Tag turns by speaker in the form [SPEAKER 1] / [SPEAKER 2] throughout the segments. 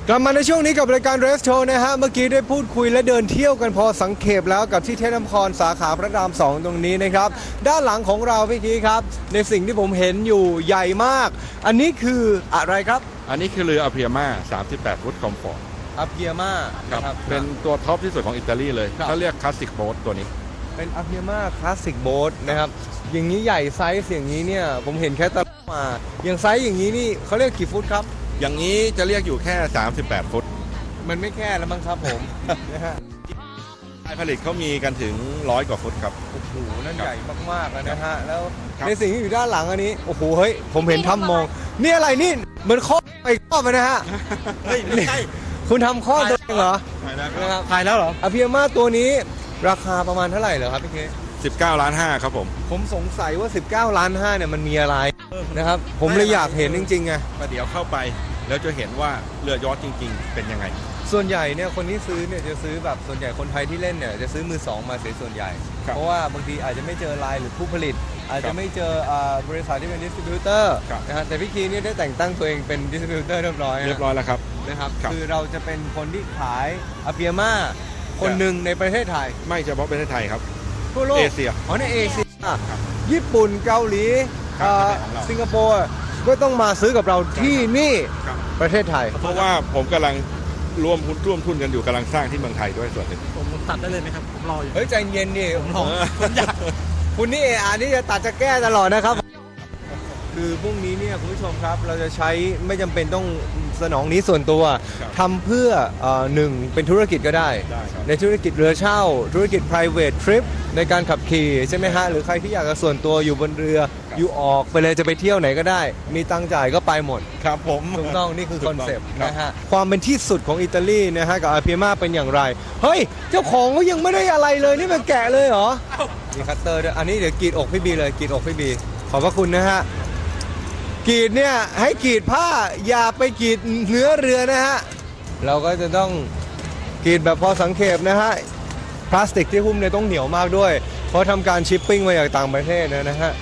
[SPEAKER 1] กลับมาในช่วงนี้กับรายการ Race Show นะฮะเมื่อกี้ได้พูดคุยและเดินเที่ยวกันพอสังเขปแล้วกับที่เทพนครสาขาพระราม 2 ตรงนี้นะครับด้านหลังของเราพี่กี้ครับในสิ่งที่ผมเห็นอยู่ใหญ่มากอันนี้คืออะไรครับ
[SPEAKER 2] อันนี้คือเรืออเพียมา38 ฟุตคอมฟอร์ต
[SPEAKER 1] อเพียมา
[SPEAKER 2] ครับเป็นตัวท็อปที่สุดของอิตาลีเลยเขาเรียกคลาสสิกโบ๊ทตัวนี้
[SPEAKER 1] เป็นอเพียมาคลาสสิกโบ๊ทนะครับอย่างนี้ใหญ่ไซส์อย่างนี้เนี่ยผมเห็นแค่ตะมาอย่างไซส์อย่างนี้นี่เขาเรียกกี่ฟุตครับ
[SPEAKER 2] อย่างนี้จะเรียกอยู่แค่38 ฟุต
[SPEAKER 1] มันไม่แค่แล้วมั้งครับผมนะฮะ
[SPEAKER 2] ผลิตเขามีกันถึง100 กว่าฟุตครับ
[SPEAKER 1] โอ้โหนั่นใหญ่มากๆแล้วนะฮะแล้วในสิ่งที่อยู่ด้านหลังอันนี้โอ้โหเฮ้ยผมเห็นทำมองนี่อะไรนี่เหมือนข้อไปข้อไปนะฮะไม่ใช่คุณทำข้อตัวเองเหรอ
[SPEAKER 2] ถ่ายแล้วเหรอ
[SPEAKER 1] อเพียมาตัวนี้ราคาประมาณเท่าไหร่เหรอครับพี่เค
[SPEAKER 2] 19.5 ล้านครับ
[SPEAKER 1] ผมสงสัยว่า19.5 ล้านเนี่ยมันมีอะไรนะครับผมเลยอยากเห็นจริงๆไง
[SPEAKER 2] ประเดี๋ยวเข้าไปแล้วจะเห็นว่าเรือยอชต์จริงๆเป็นยังไง
[SPEAKER 1] ส่วนใหญ่เนี่ยคนที่ซื้อเนี่ยจะซื้อแบบส่วนใหญ่คนไทยที่เล่นเนี่ยจะซื้อมือสองมาเสียส่วนใหญ่เพราะว่าบางทีอาจจะไม่เจอไลน์หรือผู้ผลิตอาจจะไม่เจอบริษัทที่เป็นดิสติบิวเตอร์นะฮะแต่พี่คีเนี่ยได้แต่งตั้งตัวเองเป็นดิสติบิวเตอร์เรียบร้อย
[SPEAKER 2] แล้วครับ
[SPEAKER 1] นะครับคือเราจะเป็นคนที่ขายอเพียมาคนหนึ่งในประเทศไทย
[SPEAKER 2] ไม่เฉพาะประเทศไทยครับ
[SPEAKER 1] ทั่วโลก
[SPEAKER 2] เอเชีย
[SPEAKER 1] ในเอเชียญี่ปุ่นเกาหลีสิงคโปร์ก็ต้องมาซื้อกับเราที่นี่ประเทศไทย
[SPEAKER 2] เพราะว่าผมกำลังร่วมทุนกันอยู่กำลังสร้างที่เมืองไทยด้วยส่วนหนึ่ง
[SPEAKER 3] ผมตัดได้เลยไหมครับผมรออยู่
[SPEAKER 1] เฮ้ยใจเย็นดิผมรอคุณนี่นี่จะตัดจะแก้ตลอดนะครับคือพรุ่งนี้เนี่ยคุณผู้ชมครับเราจะใช้ไม่จำเป็นต้องสนองนี้ส่วนตัวทำเพื่อหนึ่งเป็นธุรกิจก็ได้ในธุรกิจเรือเช่าธุรกิจ private trip ในการขับขี่ใช่ไหมฮะหรือใครที่อยากจะส่วนตัวอยู่บนเรืออยู่ออกไปเลยจะไปเที่ยวไหนก็ได้มีตังค์จ่ายก็ไปหมด
[SPEAKER 2] ครับผม
[SPEAKER 1] ถูกต้องนี่คือคอนเซปต์นะฮะความเป็นที่สุดของอิตาลีนะฮะกับอาเพียมาเป็นอย่างไรเฮ้ยเจ้าของก็ยังไม่ได้อะไรเลยนี่มันแกะเลยเหรอมีคัตเตอร์ด้วยอันนี้เดี๋ยวกรีดอกพี่บีเลยกรีดอกพี่บีขอบพระคุณนะฮะกรีดเนี่ยให้กรีดผ้าอย่าไปกรีดเนื้อเรือนะฮะเราก็จะต้องกรีดแบบพอสังเขปนะฮะพลาสติกที่หุ้มเนี่ยต้องเหนียวมากด้วยเพราะทำการชิปปิ้งมาจากต่างประเทศนะฮะ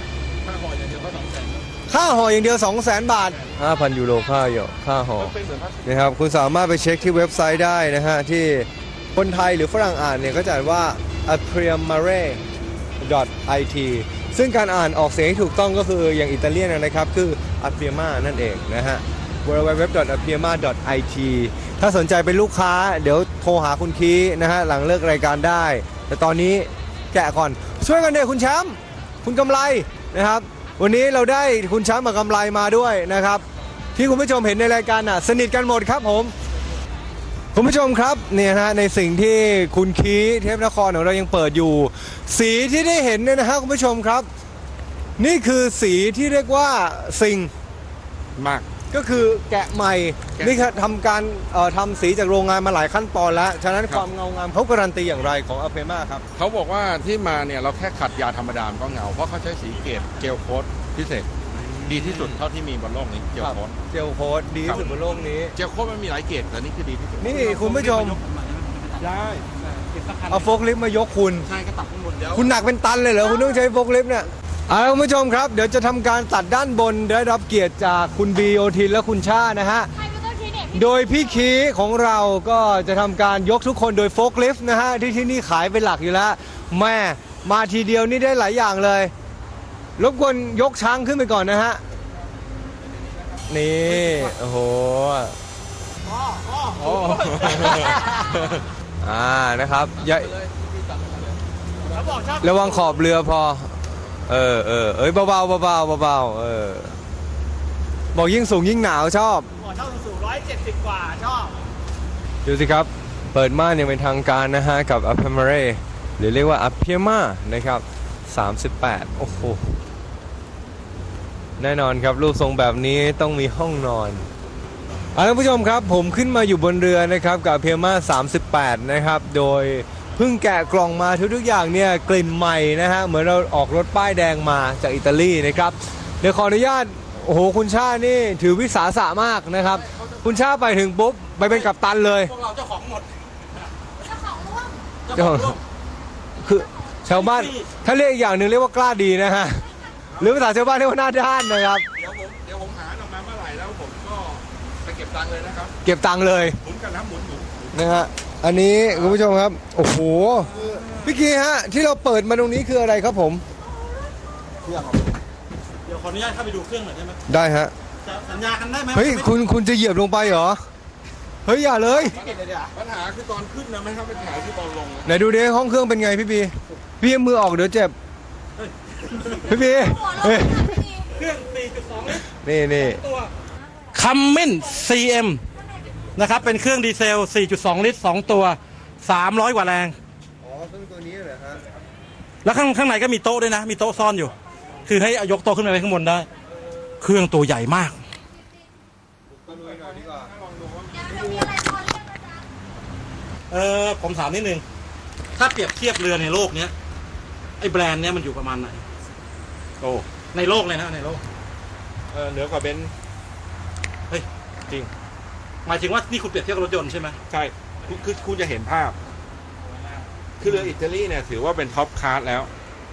[SPEAKER 1] ค่าห่ออย่างเดียว 200,000 บาท 5,000 ยูโรค่าห่อนะครับคุณสามารถไปเช็คที่เว็บไซต์ได้นะฮะที่คนไทยหรือฝรั่งอ่านเนี่ยก็จะอ่านว่า apriamare.it ซึ่งการอ่านออกเสียงที่ถูกต้องก็คืออย่างอิตาเลียนนะครับคือ apriama นั่นเองนะฮะ www.apriama.it ถ้าสนใจเป็นลูกค้าเดี๋ยวโทรหาคุณคีนะฮะหลังเลิกรายการได้แต่ตอนนี้แกะก่อนช่วยกันเดี๋ยวคุณแชมป์คุณกำไรนะครับวันนี้เราได้คุณแชมป์กับกำไรมาด้วยนะครับที่คุณผู้ชมเห็นในรายการสนิทกันหมดครับผมคุณผู้ชมครับเนี่ยนะในสิ่งที่คุณคีเทพนครของเรายังเปิดอยู่สีที่ได้เห็นเนี่ยนะฮะคุณผู้ชมครับนี่คือสีที่เรียกว่าซิง
[SPEAKER 2] มาก
[SPEAKER 1] ก็คือแกะใหม่นี่ครับทำการทำสีจากโรงงานมาหลายขั้นตอนแล้วฉะนั้นความเงางามเขาการันตีอย่างไรของอเปมาครับ
[SPEAKER 2] เขาบอกว่าที่มาเนี่ยเราแค่ขัดยาธรรมดาก็เงาเพราะเขาใช้สีเจลโค้ดพิเศษดีที่สุดเท่าที่มีบนโลกนี้เจลโค้
[SPEAKER 1] ดดีที่สุดบนโลกนี้
[SPEAKER 2] เจลโค้ดมันมีหลายเกรดแต่นี่คือดีที่สุด
[SPEAKER 1] นี่คุณผู้ชม
[SPEAKER 2] ได้
[SPEAKER 1] เอาโฟล์คลิฟต์มายกคุณ
[SPEAKER 2] ใช่ก็ตัดข้างบนเดี๋ยว
[SPEAKER 1] คุณหนักเป็นตันเลยเหรอคุณต้องใช้โฟล์คลิฟต์เนี่ยคุณผู้ชมครับเดี๋ยวจะทำการตัดด้านบนได้รับเกียรติจากคุณบีโอทินและคุณชานะฮะโดยพี่คีของเราก็จะทำการยกทุกคนโดยโฟล์คลิฟต์นะฮะที่นี่ขายเป็นหลักอยู่แล้วแม่มาทีเดียวนี่ได้หลายอย่างเลยรบกวนยกช้างขึ้นไปก่อนนะฮะนี่โอ้โหนะครับอย่าระวังขอบเรือพอเบาบอกยิ่งสูงยิ่งหนาวชอบ
[SPEAKER 3] ชอบสูง170 กว่าชอบ
[SPEAKER 1] ดูสิครับเปิดม่านอย่างเป็นทางการนะฮะกับ Apriamare หรือเรียกว่า Apriama นะครับ38โอ้โหแน่นอนครับรูปทรงแบบนี้ต้องมีห้องนอนท่านผู้ชมครับผมขึ้นมาอยู่บนเรือนะครับกับ Apriama 38นะครับโดยเพิ่งแกะกล่องมาทุกอย่างเนี่ยกลิ่นใหม่นะฮะเหมือนเราออกรถป้ายแดงมาจากอิตาลีนะครับเดี๋ยวขออนุญาตโอ้โหคุณชานี่ถือวิสาสะมากนะครับคุณชาไปถึงปุ๊บไปเป็นกัปตันเลย
[SPEAKER 3] พวกเราเจ้าของหมด
[SPEAKER 1] เจ้าของคือชาวบ้านถ้าเรียกอีกอย่างหนึ่งเรียกว่ากล้าดีนะฮะหรือภาษาชาวบ้านเรียกว่าหน้าด้านนะครับ
[SPEAKER 2] เดี๋ยวผมหาออกมาเมื่อไหร่แล้วผมก็ไปเก็บตังค์เลยนะครับ
[SPEAKER 1] เก็บตังค์เลย
[SPEAKER 2] หมุนกันนะหมุน
[SPEAKER 1] นะฮะอันนี้คุณผู้ชมครับโอ้โหพี่กีฮะที่เราเปิดมาตรงนี้คืออะไรครับผม
[SPEAKER 3] เดี๋ยวขออนุญาตเข้าไปดูเครื่องหน่อยได้ไหม
[SPEAKER 1] ได้ฮะ
[SPEAKER 3] จะสัญญากันได้ไหม
[SPEAKER 1] เฮ้ยคุณจะเหยียบลงไปเหรอเฮ้ยอย่าเลย
[SPEAKER 3] ไม่เก็บเลยเดี๋ยว
[SPEAKER 2] ปัญหาคือตอนขึ้นนะไม่ครับปัญหาคือตอนลงนะ
[SPEAKER 1] ไหนดูดิห้องเครื่องเป็นไงพี่บีพี่เอามือออกเดี๋ยวเจ็บพี่บีเฮ้ย
[SPEAKER 3] เครื่อง 4.2 ลิตร
[SPEAKER 1] นี่
[SPEAKER 3] ตัวคัมมิน CM นะครับเป็นเครื่องดีเซล 4.2 ลิตร 2 ตัว 300 กว่าแรง
[SPEAKER 1] อ๋อเครื่องตัวนี้เหรอฮะ
[SPEAKER 3] แล้วข้างในก็มีโต๊ะด้วยนะ มีโต๊ะซ่อนอยู่ คือให้ยกโต๊ะขึ้นไปไว้ข้างบนได้ เครื่องตัวใหญ่มาก ผมถามนิดนึง ถ้าเปรียบเทียบเรือในโลกเนี้ยไอ้แบรนด์เนี้ยมันอยู่ประมาณไหน
[SPEAKER 2] โอ้
[SPEAKER 3] ในโลกเลยนะในโลก
[SPEAKER 2] เหนือกว่าเบนซ์
[SPEAKER 3] เฮ้ย
[SPEAKER 2] จริง
[SPEAKER 3] หมายถึงว่านี่คุณเปรียบเทียบกับรถยนต์ใช่ไหม
[SPEAKER 2] ใช่คือคุณจะเห็นภาพ คือเรืออิตาลีเนี่ยถือว่าเป็นท็อปคลาสแล้ว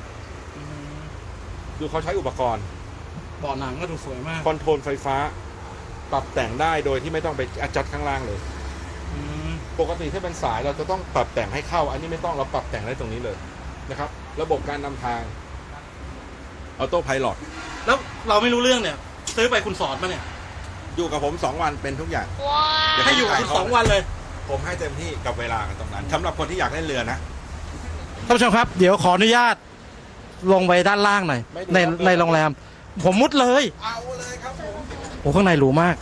[SPEAKER 2] ดูเขาใช้อุปกรณ์
[SPEAKER 3] เบาะหนังก็ดูสวยมาก
[SPEAKER 2] คอนโทรลไฟฟ้า ปรับแต่งได้โดยที่ไม่ต้องไปจัดข้างล่างเลย
[SPEAKER 3] อืม
[SPEAKER 2] ปกติถ้าเป็นสายเราจะต้องปรับแต่งให้เข้า อันนี้ไม่ต้องเราปรับแต่งได้ตรงนี้เลยนะครับ ระบบการนำทางออโต้ไพลอต
[SPEAKER 3] แล้วเราไม่รู้เรื่องเนี่ย ซื้อไปคุณสอนมาเนี่ย
[SPEAKER 2] อยู่กับผม2 วันเป็นทุกอย่างเดี๋ว
[SPEAKER 3] ให้อยู่กับคุณ
[SPEAKER 2] ถ่า
[SPEAKER 3] 2 วันเลย
[SPEAKER 2] ผมให้เต็มที่กับเวลากันตรงนั้นสำหรับคนที่อยากเล่นเรือนะ
[SPEAKER 3] ท่านผู้ชมครับ เดี๋ยวขออนุญาตลงไปด้านล่างหน่อย
[SPEAKER 2] ไม่ดู
[SPEAKER 3] ใน
[SPEAKER 2] ครับ
[SPEAKER 3] ในโรงแรม ผมมุดเลย
[SPEAKER 2] เอาเลยครับผม
[SPEAKER 3] โอ้ข้างในหรูมาก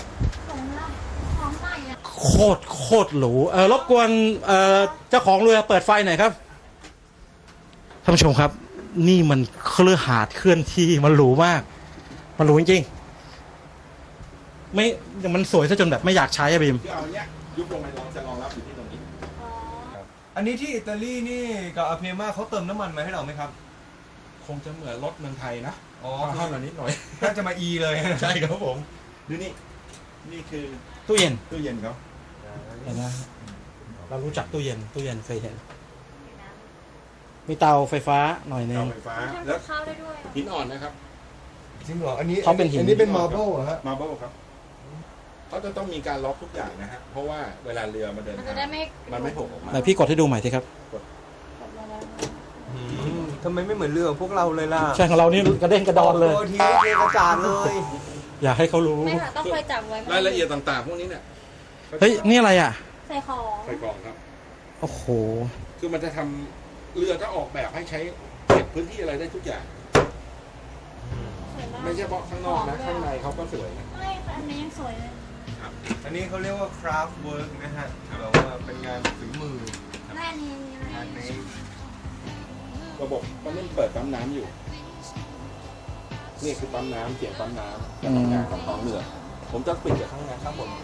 [SPEAKER 3] โคตรหรูรบกวนเจ้าของเรือเปิดไฟหน่อยครับท่านผู้ชมครับ นี่มันเครือหาดเคลื่อนที่มันหรูมาก มันหรูจริงๆไม่มันสวยซะจนแบบไม่อยากใช้อะบีม
[SPEAKER 2] คือเอาเนี้ยยุบลงไปรองจะรองรับอยู่ที่ตรงนี้
[SPEAKER 1] อันนี้ที่อิตาลีนี่กับอาเพมาเขาเติมน้ำมันมาให้เราไหมครับ
[SPEAKER 2] คงจะเหมือนรถเมืองไทยนะ
[SPEAKER 1] อ๋อ
[SPEAKER 2] เท่านิดหน่อย
[SPEAKER 1] น่าจะมาอีเลย
[SPEAKER 2] ใช่ครับผมดูนี่นี่คือ
[SPEAKER 3] ตู้เย็น
[SPEAKER 2] ตู้เย็นเขา
[SPEAKER 3] เห็นไหมเรารู้จักตู้เย็นเคยเห็น มีเตาไฟฟ้าหน่อยนึ
[SPEAKER 2] เตาง ไฟฟ้าแล้ว
[SPEAKER 4] ข้าวได้ด้วย
[SPEAKER 2] หินอ่อนนะครับ
[SPEAKER 1] จริงเหรออันนี้
[SPEAKER 3] เขาเป็นหิน
[SPEAKER 1] อันนี้เป็นมาร์เบิลเหรอฮะ
[SPEAKER 2] มาร์เบิลครับเขาจะต้องมีการล็อกทุกอย่างนะฮะเพราะว่าเวลาเรือมาเดิน
[SPEAKER 4] มัน
[SPEAKER 2] ทา
[SPEAKER 4] จะ
[SPEAKER 2] ง
[SPEAKER 4] ได้ไม่
[SPEAKER 2] มันไม่โผล่ออกมา
[SPEAKER 3] ไหนพี่กดให้ดูใหม่ทีครับ
[SPEAKER 1] ทำไมไม่เหมือนเรือพวกเราเลยล่ะ
[SPEAKER 3] ใช่ของเรานี่กระเด้งกระดอนเลย
[SPEAKER 1] ตัวทีเทกระจาดเลย
[SPEAKER 3] อยากให้เขารู้
[SPEAKER 4] ไม่ค่ะต้องคอยจับไว้
[SPEAKER 2] รายละเอียดต่างๆพวกนี้เนี่ย
[SPEAKER 3] เฮ้ย นี่อะไรอ่ะ
[SPEAKER 4] ใส่ของ
[SPEAKER 2] ใส่กล่องครับ
[SPEAKER 3] โอ้โห
[SPEAKER 2] คือมันจะทำเรือจะออกแบบให้ใช้เก็บพื้นที่อะไรได้ทุกอย่าง
[SPEAKER 4] สวยมาก
[SPEAKER 2] ไม่ใช่เฉพาะข้างนอกนะข้างในเขาก็สวยนะ
[SPEAKER 4] ไม่ค่ะอันนี้ยังสวยเลย
[SPEAKER 1] อันนี้เขาเรียกว่าคราฟต์เวิร์กนะฮะแบบว่าเป็นงานฝีมือ
[SPEAKER 4] แม่อันนี้อะไร
[SPEAKER 1] งานนี้
[SPEAKER 2] ระบบก็เล่นเปิดปั๊มน้ำอยู่ นี่คือปั๊มน้ำเสียงปั๊มน้ำการทำงานของท้องเรือ ผมจะปิดจากข้างในข้างบน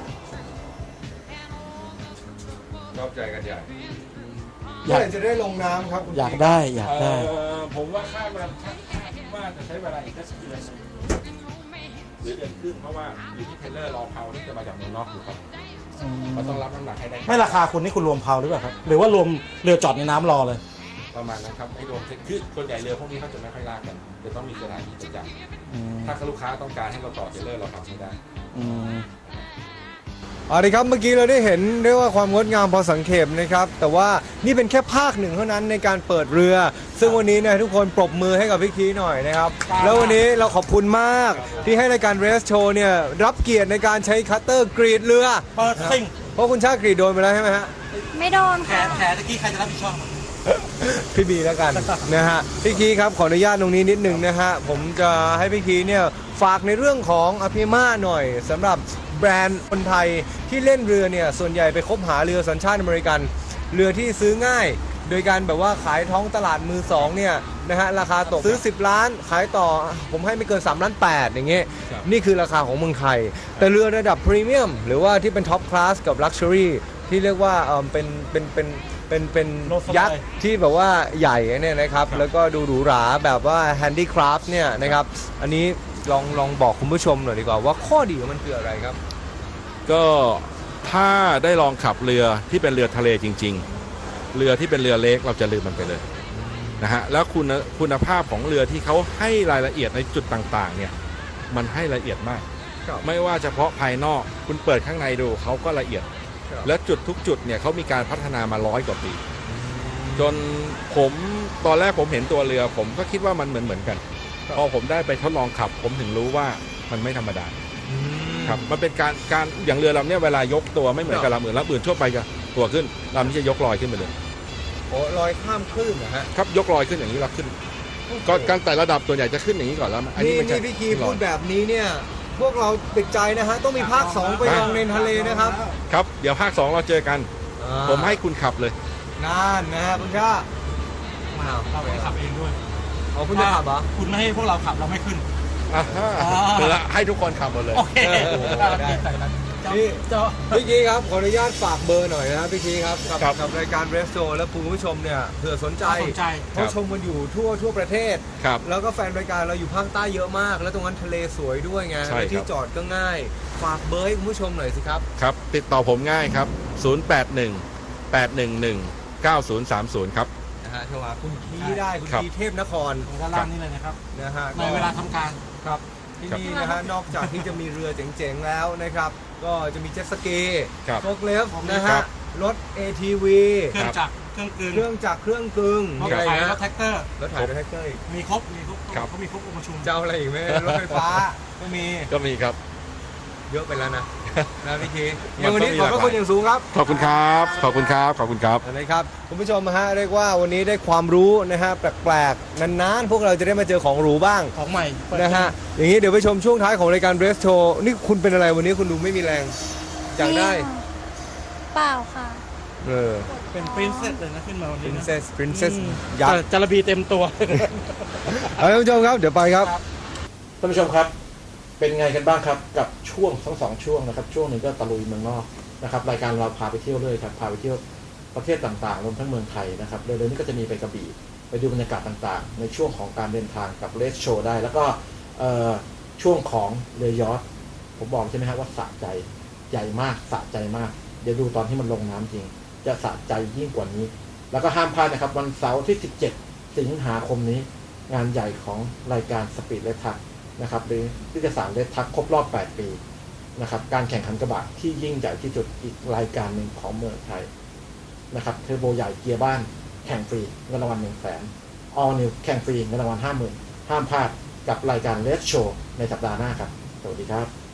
[SPEAKER 2] ชอบใจกันใหญ่
[SPEAKER 1] เมื่อไหร่จะได้ลงน้ำครับคุณ
[SPEAKER 3] อยากได้อยากได้
[SPEAKER 2] ผมว่าคาดว่าจะใช้เวลาอีกแค่เดือนหรือเดือนครึ่งเพราะว่าอยู่ที่เทเลอร์รอเพาที่จะมาจากเมืองนอกอยู่ครับเขาต้องรับน้ำหนักให้ได้
[SPEAKER 3] ไม่ราคาคุณนี่คุณรวมเพาหรือเปล่าครับ หรือว่ารวมเรือจอดในน้ำรอเลย
[SPEAKER 2] ประมาณนั้นครับไม่รวมคือส่วนใหญ่เรือพวกนี้เขาจะไม่ค่อยลากกันจะต้องมีสถานีประจำถ้าลูกค้าต้องการให้เราต่อเทเลอร์เราทำไม่ได้
[SPEAKER 1] เอาละครับเมื่อกี้เราได้เห็นเรียกว่าความงดงามพอสังเขปนะครับแต่ว่านี่เป็นแค่ภาคหนึ่งเท่านั้นในการเปิดเรือ ซึ่งวันนี้เนี่ยทุกคนปรบมือให้กับพี่คีหน่อยนะครับแล้ววันนี้เราขอบคุณมากที่ให้รายการเรสโชว์เนี่ยรับเกียรติในการใช้คัตเตอร์กรีดเรือ
[SPEAKER 3] เปิดซิ่ง
[SPEAKER 1] เพราะคุณชาติกรีดโดนไปแล้วใช่ไหมฮะ
[SPEAKER 4] ไม่โดน
[SPEAKER 3] แผล
[SPEAKER 4] ค่ะ
[SPEAKER 3] แผลตะกี้ใครจะรับผิดชอบ
[SPEAKER 1] พี่บีแล้วกันนะฮะพี่คีครับขออนุญาตตรงนี้นิดนึงนะฮะผมจะให้พี่คีเนี่ยฝากในเรื่องของอภิมาหน่อยสำหรับแบรนด์คนไทยที่เล่นเรือเนี่ยส่วนใหญ่ไปคบหาเรือสัญชาติอเมริกัน เรือที่ซื้อง่าย โดยการแบบว่าขายท้องตลาดมือสองเนี่ยนะฮะราคาตกซื้อ10 ล้านขายต่อผมให้ไม่เกิน3 ล้าน 8อย่างเงี้ยนี่คือราคาของเมืองไทย แต่เรือระดับพรีเมียมหรือว่าที่เป็นท็อปคลาสกับลักชัวรี่ที่เรียกว่าเป็น
[SPEAKER 3] โลดสบาย
[SPEAKER 1] ยักษ์ที่แบบว่าใหญ่เนี่ยนะครับแล้วก็ดูหรูหราแบบว่าแฮนดี้คราฟต์เนี่ยนะครับอันนี้ลองบอกคุณผู้ชมหน่อยดีกว่าว่าข้อดีของมันคืออะไรครับ
[SPEAKER 2] ก็ถ้าได้ลองขับเรือที่เป็นเรือทะเลจริงๆ เรือที่เป็นเรือเล็กเราจะลืมมันไปเลยนะฮะแล้วคุณภาพของเรือที่เขาให้รายละเอียดในจุดต่างๆเนี่ยมันให้ละเอียดมาก
[SPEAKER 1] ครับ
[SPEAKER 2] ไม่ว่าเฉพาะภายนอกคุณเปิดข้างในดูเขาก็ละเอียด
[SPEAKER 1] ครับ
[SPEAKER 2] และจุดทุกจุดเนี่ยเขามีการพัฒนามา100 กว่าปี จนผมตอนแรกผมเห็นตัวเรือ ผมก็คิดว่ามันเหมือนกัน
[SPEAKER 1] ครับ
[SPEAKER 2] พอผมได้ไปทดลองขับ ผมถึงรู้ว่ามันไม่ธรรมดา
[SPEAKER 1] อืม
[SPEAKER 2] ครับมันเป็นการอย่างเรือลำเนี้ยเวลายกตัวไม่เหมือนกับลำอื่นลำอื่นทั่วไปจะตัวขึ้นลำนี้จะยกลอยขึ้นไปเลย
[SPEAKER 1] โอ้ลอยข้ามคลื่นนะฮะ
[SPEAKER 2] ครับยกลอยขึ้นอย่างนี้แล้วขึ้นก็การไต่ระดับตัวใหญ่จะขึ้นอย่างนี้ก่อนแล้วอันนี้
[SPEAKER 1] นี่
[SPEAKER 2] มันจะ
[SPEAKER 1] นี่พี่คีพูดแบบนี้เนี่ย พวกเราติดใจนะฮะ ต้องมีภาค 2 ไปลองในทะเลนะครับ
[SPEAKER 2] ครับเดี๋ยวภาค 2 เราเจอกัน ผมให้คุณขับเลย
[SPEAKER 1] นั่นนะฮะคุณชามา
[SPEAKER 3] เราไปขับเองด้วย
[SPEAKER 1] เอาคุณจะขับเหรอ
[SPEAKER 3] คุณไม่ให้พวกเราขับเราไม่ขึ้น
[SPEAKER 2] อ่าฮะเดี๋ยวให้ทุกคนขับหมดเลย
[SPEAKER 3] โอเค
[SPEAKER 1] ได้
[SPEAKER 3] แต่นั้น
[SPEAKER 1] นี่
[SPEAKER 3] เจ้า
[SPEAKER 1] พี่คีครับขออนุญาตฝากเบอร์หน่อยนะพี่คีครับกับ
[SPEAKER 2] ครับ
[SPEAKER 1] กับรายการเรสโซและคุณผู้ชมเนี่ยเผื่อสนใจ
[SPEAKER 3] สนใจ
[SPEAKER 1] เขาชมกันอยู่ทั่วประเทศ
[SPEAKER 2] ครับ
[SPEAKER 1] แล้วก็แฟนรายการเราอยู่ภาคใต้เยอะมาก แล้วตรงนั้นทะเลสวยด้วยไง
[SPEAKER 2] ใช่ครับ
[SPEAKER 1] และที่จอดก็ง่าย ฝากเบอร์ให้คุณผู้ชมหน่อยสิครับ
[SPEAKER 2] ครับติดต่อผมง่ายครับ 081-811-9030 ครับ
[SPEAKER 1] นะฮะโทรหาคุณคีได้คุณ
[SPEAKER 2] ครับ
[SPEAKER 1] คีเทพนคร
[SPEAKER 3] ด้านล่างนี่เลยนะครับ
[SPEAKER 1] นะฮะ
[SPEAKER 3] ในเวลาทำการ
[SPEAKER 1] ครับที่นี่นะฮะนอกจากที่จะมีเรือเจ๋งๆแล้วนะครับ ก็จะมีเจ็ตสกี
[SPEAKER 2] ครับ
[SPEAKER 1] โฟกเลฟนะ
[SPEAKER 2] ครั
[SPEAKER 1] ฮะ
[SPEAKER 2] บ
[SPEAKER 1] รถ ATV
[SPEAKER 3] เครื่องจักรเครื่องกลึง
[SPEAKER 1] เครื่องจักรเครื่องกึ่ง
[SPEAKER 3] รถ
[SPEAKER 1] มีอะไร
[SPEAKER 3] ไถ
[SPEAKER 1] นะ
[SPEAKER 3] รถแท็กเตอร์
[SPEAKER 1] รถถ่ายรถแท็กเตอร์อีก
[SPEAKER 3] มีครบ
[SPEAKER 2] ครับ
[SPEAKER 3] เขามีครบองค์ประชุม
[SPEAKER 1] จะเอาอะไรอีกไหมรถไฟฟ้าก็มี
[SPEAKER 2] ก็มีครับ
[SPEAKER 1] เยอะไปแล้วนะนะพี่คี
[SPEAKER 2] มัน
[SPEAKER 1] วันนี้
[SPEAKER 2] ต้องมี
[SPEAKER 1] ขอบพระ
[SPEAKER 2] หลากหลาย
[SPEAKER 1] คุณอย่างสูงครับ
[SPEAKER 2] ขอบคุณครับ ขอบคุณครับ ขอบคุณครับ
[SPEAKER 1] นะครับคุณผู้ชมฮะเรียกว่าวันนี้ได้ความรู้นะฮะแปลกๆนานๆพวกเราจะได้มาเจอของหรูบ้าง
[SPEAKER 3] ของใหม่เปิด
[SPEAKER 1] นะฮะอย่างนี้เดี๋ยวไปชมช่วงท้ายของรายการเรสโชนี่คุณเป็นอะไรวันนี้คุณดูไม่มีแรงอยากได้
[SPEAKER 4] เปล่าค่ะ
[SPEAKER 1] เออ
[SPEAKER 3] เป็นปรินเซสเลยนะขึ้นมาวันนี้นะ
[SPEAKER 1] princess
[SPEAKER 3] อืม
[SPEAKER 1] ยักษ์
[SPEAKER 3] จาระบีเต็มตัว
[SPEAKER 1] เอาท่านผู้ชมครับเดี๋ยวไปครับ
[SPEAKER 3] ท่านผู้ชมครับ เป็นไงกันบ้างครับกับช่วงทั้ง2ช่วงนะครับช่วงหนึ่งก็ตะลุยเมืองนอกนะครับรายการเราพาไปเที่ยวเลยครับพาไปเที่ยวประเทศต่างๆรวมทั้งเมืองไทยนะครับเร็วๆนี้ก็จะมีไปกระบี่ไปดูบรรยากาศต่างๆ ในช่วงของการเดินทางกับเลสโชว์ได้ แล้วก็ช่วงของเรือยอชต์ผมบอกใช่ไหมครับว่าสะใจใหญ่มากสะใจมากเดี๋ยวดูตอนที่มันลงน้ำจริง จะสะใจยิ่งกว่านี้ แล้วก็ห้ามพลาดนะครับวันเสาร์ที่17 สิงหาคมนี้งานใหญ่ของรายการสปีดเลทักนะครับหรือนิตยสารเลทักครบรอบ8 ปีนะครับการแข่งขันกระบะที่ยิ่งใหญ่ที่สุดอีกรายการหนึ่งของเมืองไทยนะครับเทอร์โบใหญ่เกียร์บ้านแข่งฟรีเงินรางวัล100,000 All New แข่งฟรีเงินรางวัล50,000ห้ามพลาดกับรายการเลสโชว์ในสัปดาห์หน้าครับสวัสดีครับ